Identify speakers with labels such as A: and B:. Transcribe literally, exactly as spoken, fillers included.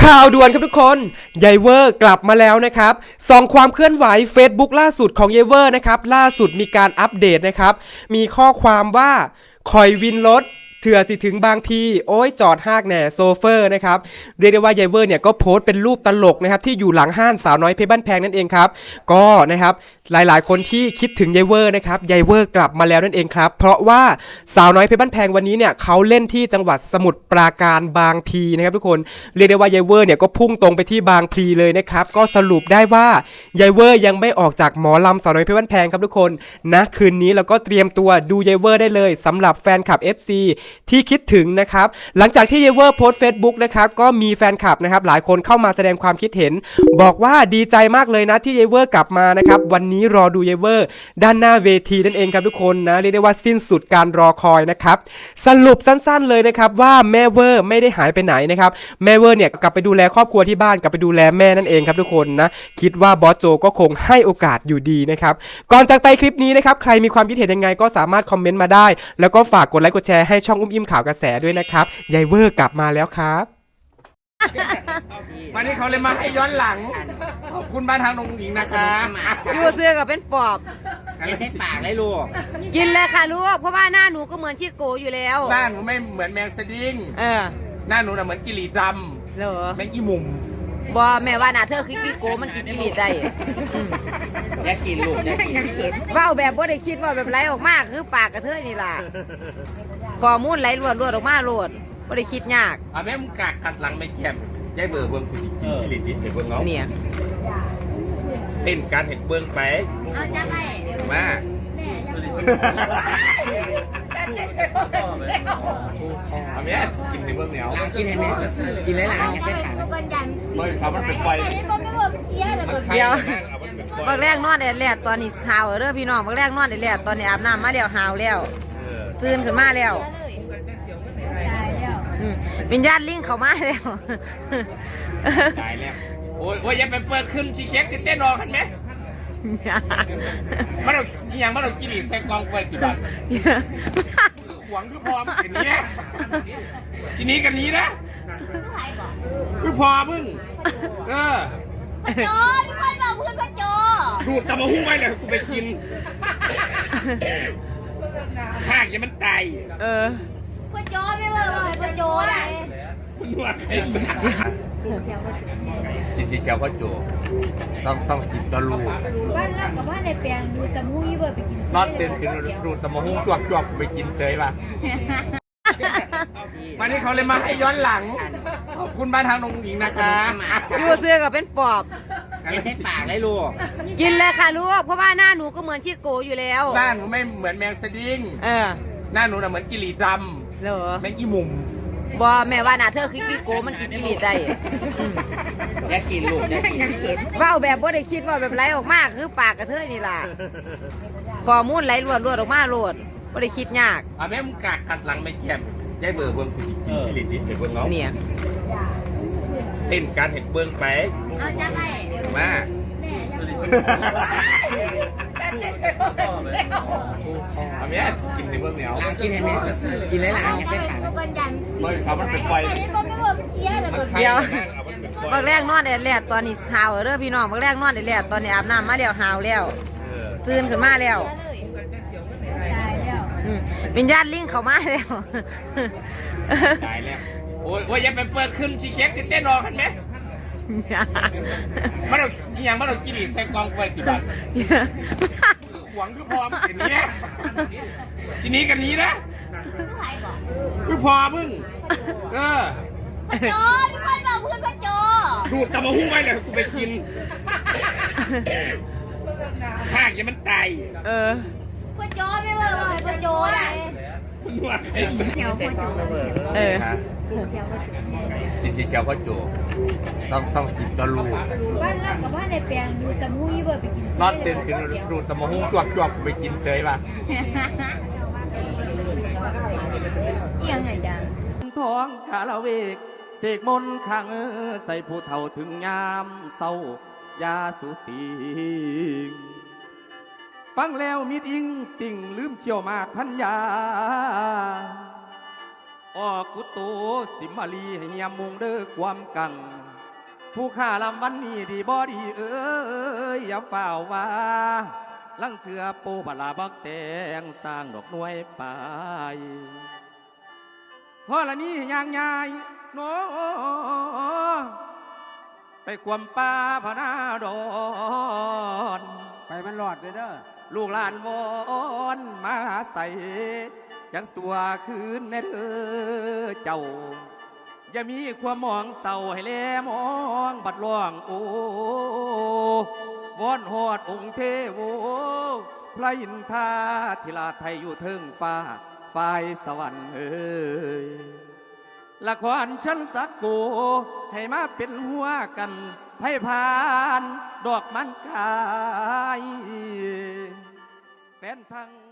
A: ข่าวด่วนครับทุกคนยายเวอร์กลับมาแล้วนะครับส่องความเคลื่อนไหว Facebook ล่าสุดของยายเวอร์นะครับล่าสุดมีการอัปเดตนะครับมีข้อความว่าคอยวินรถเถื่อสิถึงบางพีโอ้ยจอดหากแหน่โซเฟอร์นะครับเรียกได้ว่ายายเวอร์เนี่ยก็โพสต์เป็นรูปตลกนะครับที่อยู่หลังห้างสาวน้อยเพชรบ้านแพงนั่นเองครับก็นะครับหลายๆคนที่คิดถึงยายเวอร์นะครับยายเวอร์กลับมาแล้วนั่นเองครับเพราะว่าสาวน้อยเพชรบ้านแพงวันนี้เนี่ยเขาเล่นที่จังหวัดสมุทรปราการบางพีนะครับทุกคนเรียกได้ว่ายายเวอร์เนี่ยก็พุ่งตรงไปที่บางพีเลยนะครับก็สรุปได้ว่ายายเวอร์ยังไม่ออกจากหมอลำสาวน้อยเพชรบ้านแพงครับทุกคนนะคืนนี้เราก็เตรียมตัวดูยายเวอร์ได้เลยสำหรับแฟนคลับ เอฟ ซี ที่คิดถึงนะครับหลังจากที่ยายเวอร์โพสต์ Facebook นะครับก็มีแฟนคลับนะครับหลายคนเข้ามาแสดงความคิดเห็นบอกว่าดีใจมากเลยนะที่ยายเวอร์กลับมานะครับวันนี้รอดูยายเวอร์ด้านหน้าเวทีนั่นเองครับทุกคนนะเรียกได้ว่าสิ้นสุดการรอคอยนะครับสรุปสั้นๆเลยนะครับว่าแม่เวอร์ไม่ได้หายไปไหนนะครับแม่เวอร์เนี่ยกลับไปดูแลครอบครัวที่บ้านกลับไปดูแลแม่นั่นเองครับทุกคนนะคิดว่าบอสโจก็คงให้โอกาสอยู่ดีนะครับก่อนจากไปคลิปนี้นะครับใครมีความคิดเห็นยังไงก็สามารถคอมเมนต์มาได้แล้วก็ฝากกดไลค์กดแชร์ให้ช่องอุ้มอิ่มข่าวกระแสด้วยนะครับยายเวอร์กลับมาแล้วครับ
B: วันนี้เขาเลยมาให้ย้อนหลังขอบคุณบ้านทางนงหญิงนะคะ
C: อยู่เสื้อกับเป็นปอบ
B: อย่าใช้ปากเลยลูก
C: กินเลยค่ะลูกเพราะว่าหน้าหนูก็เหมือนชิโกอยู่แล้ว
B: หน้าหนูไม่เหมือนแมงสดิ้ง
C: เออ
B: หน้าหนูน่ะเหมือนกิริดำ
C: เหรอ
B: แมงอีมุม
C: บอแม่ว่าหน้าเธอคือชิโกมันกินกิริได้
B: แยกกินลูกแยกกิน
C: ว่าแบบว่าได้คิดว่าแบบไหลออกมาคือปากกระเทยนี่ล่ะข้อมูลไหลรวดรวดออกมาโลดว่าได้คิดยาก
B: อ่ะแม่มึงกากกัดหลังไม่แก้มยายเบอร์เบิ้งกูสิกินกิริดิเห็นเบิ้งเงา
C: เนี่ย
B: เป็นการเห็นเบิ้งไป
C: เอาจ้าไป
B: มาเอาแม่กินในเบิ้งเหนียว
C: กินให้แม่กินหลายๆอย่าเส้นขาด
B: ไม่เอามันเป็นไฟ
C: เดี๋ยวบางแรกนอนแดดตอนนี้หาวเด้อพี่น้องบางแรกนอนแดดตอนนี้อาบน้ำมาแล้วหาวแล้วซื่นขึ้นมาแล้ววิญญาณลิงเข้ามาแล้ว
B: ตายแล้วโอ้ยโอ้ยอย่าไปเปิดขึ้นชีเค้กจะเต้นรอกันไหมมันเอาอย่างมันเอากิริใส่กองไฟกี่บาทหวงคือพอมันอย่างนี้ทีนี้กันนี้นะคือพอมึงเออ
D: พระโจพี่คนบอกเพื่อนพระโจ
B: ดูดตะมาหุ้งไว้เลยกูไปกินห่างอย่ามันตาย
C: เออ
D: พระโจไม่เบอร์เลยพระโจอะไร
B: มึงว่าใครชีชีเชียวพ่อโจต้องต้องกินตะลู
D: บ้านเรากับบ้านในแปลงดูตะมูยี่เบอร์ไปกิน
B: นอนเต้นขึ้นดูตะมาหุ้งจวบจวบไปกินเจยป่ะวันนี้เขาเลยมาให้ย้อนหลังขอบคุณบ้านทางนงหญิงนะคะ
C: อยู่เสื้อกับเป็นปอบ
B: อย่าใช้ปากเลยลูก
C: กินเลยค่ะลูกเพราะว่าหน้าหนูก็เหมือนชิโกอยู่แล้ว
B: หน้าหนูไม่เหมือนแมงสดิ้ง
C: เออ
B: หน้าหนูน่ะเหมือนกิริดำ
C: เหรอ
B: แมงอีมุม
C: บอแม่ว่าหน้าเธอคือชิโกมันกินกิริได้
B: แยกกินลูกแยกกิน
C: ว่าแบบว่าได้คิดว่าแบบไหลออกมาคือปากกระเทยนี่ล่ะข้อมูลไหลรวดรวดออกมาโลดว่าได้คิดยาก
B: อ่ะแม่มึงกากกัดหลังไม่แก้มยายเบอร์เบิ้งกูสิกินกิริดิเห็นเบิ้งเงา
C: เนี่ย
B: เป็นการเห็นเบิ้งไป
D: เอาจ้าไป
B: มาเอาแม่กินในเบิ้งเหนียว
C: กินให้แม่กินหลายๆอย่าเส้นขาด
B: ไม่เอามันเป็นไฟ
C: เดี๋ยวบางแรกนอนแดดตอนนี้หาวเด้อพี่น้องบางแรกนอนแดดตอนนี้อาบน้ำมาแล้วหาวแล้วซื่นขึ้นมาแล้ววิญญาณลิงเข้ามาแล้ว
B: ตายแล้วโอ้ยโอ้ยอย่าไปเปิดขึ้นชีเค้กจะเต้นรอกันไหมมันเอาอย่างมันเอากิริใส่กองไฟกี่บาทหวงคือพอมันอย่างนี้ทีนี้กันนี้นะคือพอมึงเออ
D: พระโจพี่คนบอกเพื่อนพระโจ
B: ดูดตะมาหุ้งไว้เลยกูไปกินห่างอย่ามันตาย
C: เออ
D: พระโจไม่เบอร์เลยพระโจอะไร
B: มึงว่าใคร
D: เขียวพระโจ
C: เออ
B: ชีชีเชียวพ่อโจต้องต้องกินตะลู
D: บ้านเรากับบ้านในแปลงดูตะมูยี่เบอร์ไปกิน
B: นอนเต้นขึ้นดูตะมาหุ้งจวบจวบไปกินเจยป่ะ
D: ยังไงจ๊ะ
E: ท้องคาราเวกเสกมนขังใส่ผู้เฒ่าถึงยามเศร้ายาสุติฟังแล้วมิดอิงติ่งลืมเชี่ยวมากพันยาออกกุโตสิมาลีให้ยามมุงเด้อความกังผู้ข้าลำวันนี้ดีบ่ดีเอ้ยอย่าฝ่าวว่าลังเถื่อปูบลาบักแตงสร้างดอกหน่วยไปเพราะละนี้ยางยายโนไปความป่าพนาดอน
F: ไปมันหลอดเลยเด้อ
E: ลูกหลานวอนมาใส่จังสัวคืนในเธอเจ้าอย่ามีความมองเศร้าให้แลมองบัดล่วงโอ้วอนหอดองค์เทโวพระอินทราธิราชไทยอยู่เทิงฟ้าฝ่ายสวรรค์เอ้ยละครชั้นสักโกให้มาเป็นหัวกันให้ผ่านดอกมันกายแฟนทั้ง